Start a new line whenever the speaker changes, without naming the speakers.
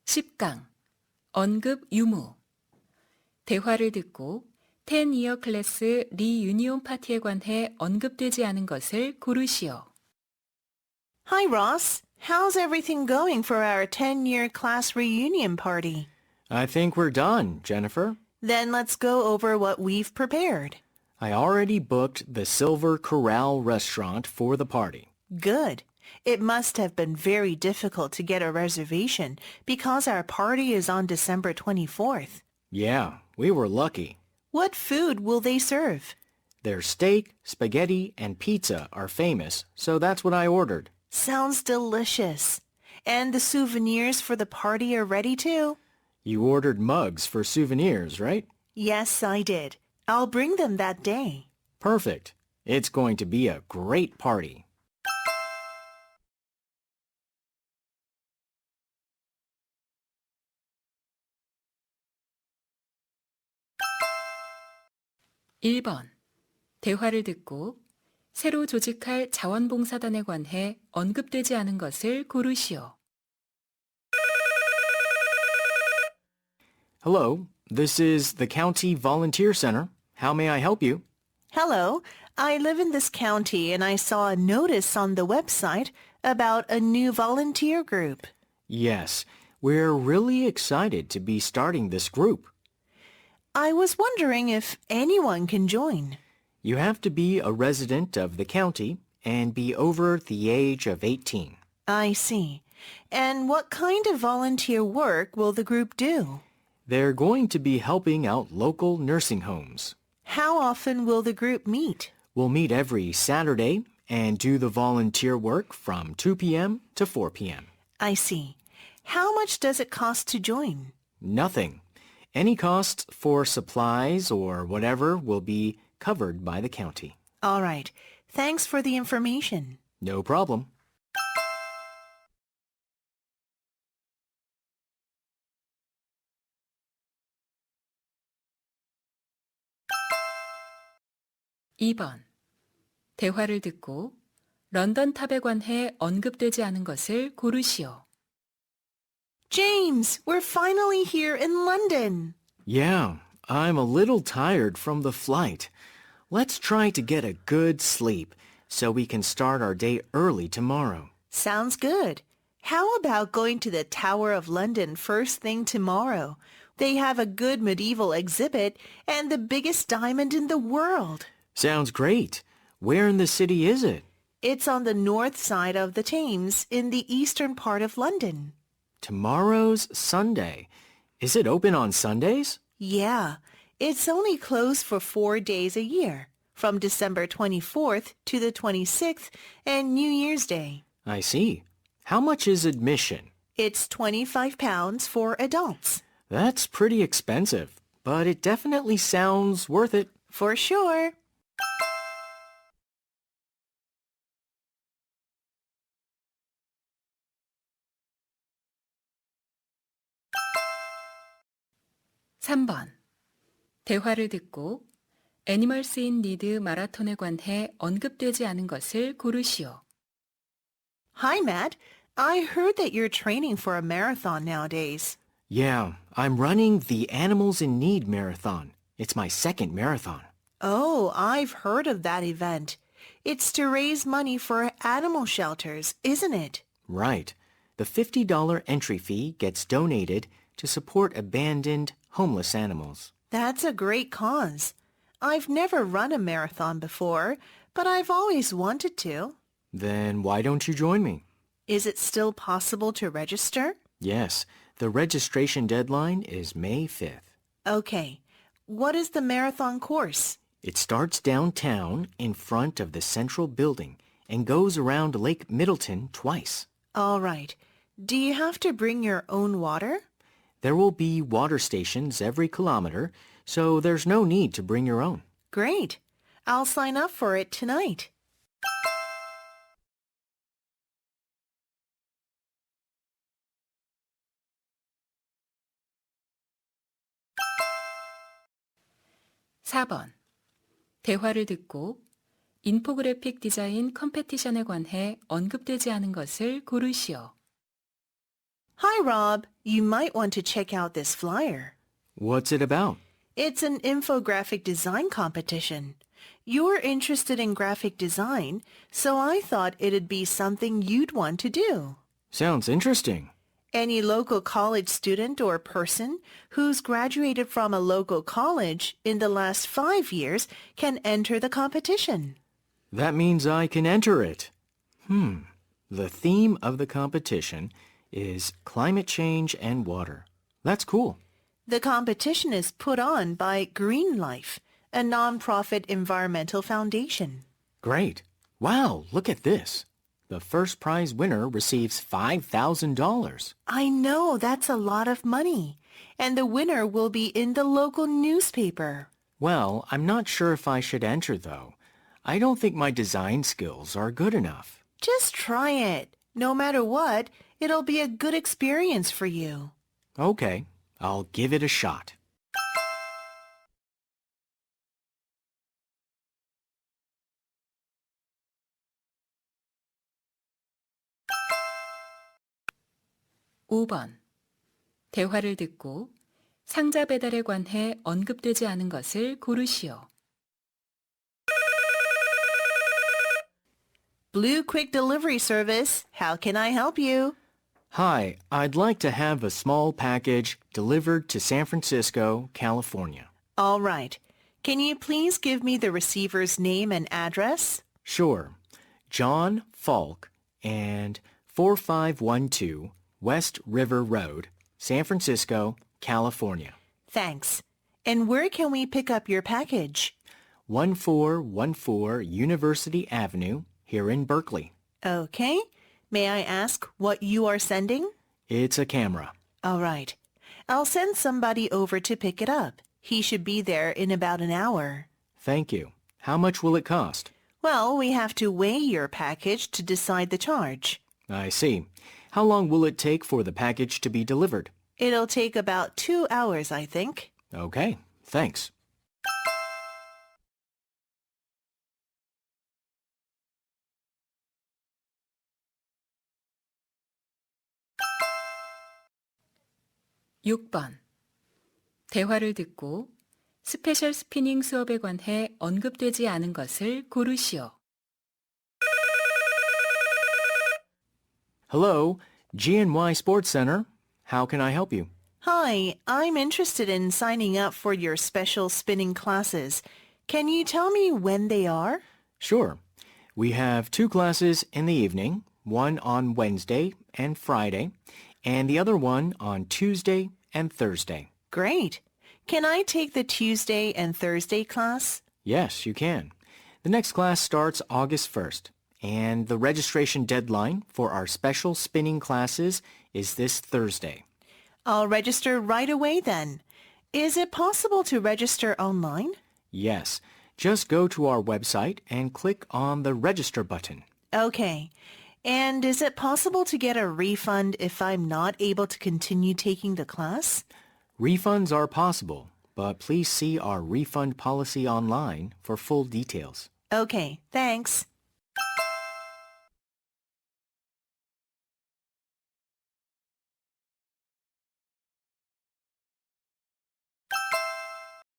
10강 언급 유무 대화를 듣고 10이어 클래스 리유니온 파티에 관해 언급되지 않은 것을 고르시오.
Hi, Ross. How's everything going for our 10-year class reunion party?
I think we're done, Jennifer.
Then let's go over what we've prepared.
I already booked the Silver Corral restaurant for the party.
Good. It must have been very difficult to get a reservation because our party is on December 24th.
Yeah, we were lucky.
What food will they serve?
Their steak, spaghetti, and pizza are famous, so that's what I ordered.
Sounds delicious. And the souvenirs for the party are ready too?
You ordered mugs for souvenirs, right?
Yes, I did. I'll bring them that day.
Perfect. It's going to be a great party.
(1번) 대화를 듣고 새로 조직할 자원봉사단에 관해 언급되지 않은 것을 고르시오.
Hello, this is the County Volunteer Center. How may I help you?
Hello, I live in this county and I saw a notice on the website about a new volunteer group.
Yes, we're really excited to be starting this group.
I was wondering if anyone can join.
You have to be a resident of the county and be over the age of 18.
I see. And what kind of volunteer work will the group do?
They're going to be helping out local nursing homes.
How often will the group meet?
We'll meet every Saturday and do the volunteer work from 2 p.m. to 4 p.m.
I see. How much does it cost to join?
Nothing. Any costs for supplies or whatever will be covered by the county.
All right. Thanks for the information.
No problem.
(2번) 대화를 듣고 런던 탑에 관해 언급되지 않은 것을 고르시오.
James, we're finally here in London.
Yeah, I'm a little tired from the flight. Let's try to get a good sleep so we can start our day early tomorrow.
Sounds good. How about going to the Tower of London first thing tomorrow? They have a good medieval exhibit and the biggest diamond in the world.
Sounds great. Where in the city is it?
It's on the north side of the Thames in the eastern part of London.
Tomorrow's Sunday. Is it open on Sundays?
Yeah, it's only closed for 4 days a year, from December 24th to the 26th and New Year's Day.
I see. How much is admission?
It's £25 for adults.
That's pretty expensive, but it definitely sounds worth it.
For sure.
(3번) 대화를 듣고 애니멀스 인 니드 마라톤에 관해 언급되지 않은 것을 고르시오.
Hi, Matt. I heard that you're training for a marathon nowadays.
Yeah, I'm running the Animals in Need marathon. It's my second marathon.
Oh, I've heard of that event. It's to raise money for animal shelters, isn't it?
Right. The $50 entry fee gets donated to support abandoned, homeless animals.
That's a great cause. I've never run a marathon before, but I've always wanted to.
Then why don't you join me?
Is it still possible to register?
Yes, the registration deadline is May 5th.
Okay. What is the marathon course?
It starts downtown in front of the central building and goes around Lake Middleton twice.
All right. Do you have to bring your own water?
There will be water stations every kilometer, so there's no need to bring your own.
Great. I'll sign up for it tonight.
(4번) 대화를 듣고 인포그래픽 디자인 컴페티션에 관해 언급되지 않은 것을 고르시오.
Hi, Rob. You might want to check out this flyer.
What's it about?
It's an infographic design competition. You're interested in graphic design, so I thought it'd be something you'd want to do.
Sounds interesting.
Any local college student or person who's graduated from a local college in the last 5 years can enter the competition.
That means I can enter it. The theme of the competition is climate change and water. That's cool.
The competition is put on by Green Life, a nonprofit environmental foundation.
Great. Wow, look at this. The first prize winner receives $5,000.
I know, that's a lot of money. And the winner will be in the local newspaper.
Well, I'm not sure if I should enter, though. I don't think my design skills are good enough.
Just try it. No matter what, it'll be a good experience for you.
Okay, I'll give it a shot.
(5번) 대화를 듣고 상자 배달에 관해 언급되지 않은 것을 고르시오.
Blue Quick Delivery Service, how can I help you?
Hi, I'd like to have a small package delivered to San Francisco, California.
All right. Can you please give me the receiver's name and address?
Sure. John Falk and 4512 West River Road, San Francisco, California.
Thanks. And where can we pick up your package?
1414 University Avenue, here in Berkeley.
Okay. May I ask what you are sending?
It's a camera.
All right. I'll send somebody over to pick it up. He should be there in about an hour.
Thank you. How much will it cost?
Well, we have to weigh your package to decide the charge.
I see. How long will it take for the package to be delivered?
It'll take about 2 hours, I think.
Okay, thanks.
(6번) 대화를 듣고 스페셜 스피닝 수업에 관해 언급되지 않은 것을 고르시오.
Hello, GNY Sports Center. How can I help you?
Hi, I'm interested in signing up for your special spinning classes. Can you tell me when they are?
Sure. We have 2 classes in the evening, one on Wednesday and Friday, and the other one on Tuesday and Thursday.
Great. Can I take the Tuesday and Thursday class?
Yes, you can. The next class starts August 1st, and the registration deadline for our special spinning classes is this Thursday.
I'll register right away then. Is it possible to register online?
Yes, just go to our website and click on the register button.
Okay. And is it possible to get a refund if I'm not able to continue taking the class?
Refunds are possible, but please see our refund policy online for full details.
Okay, thanks.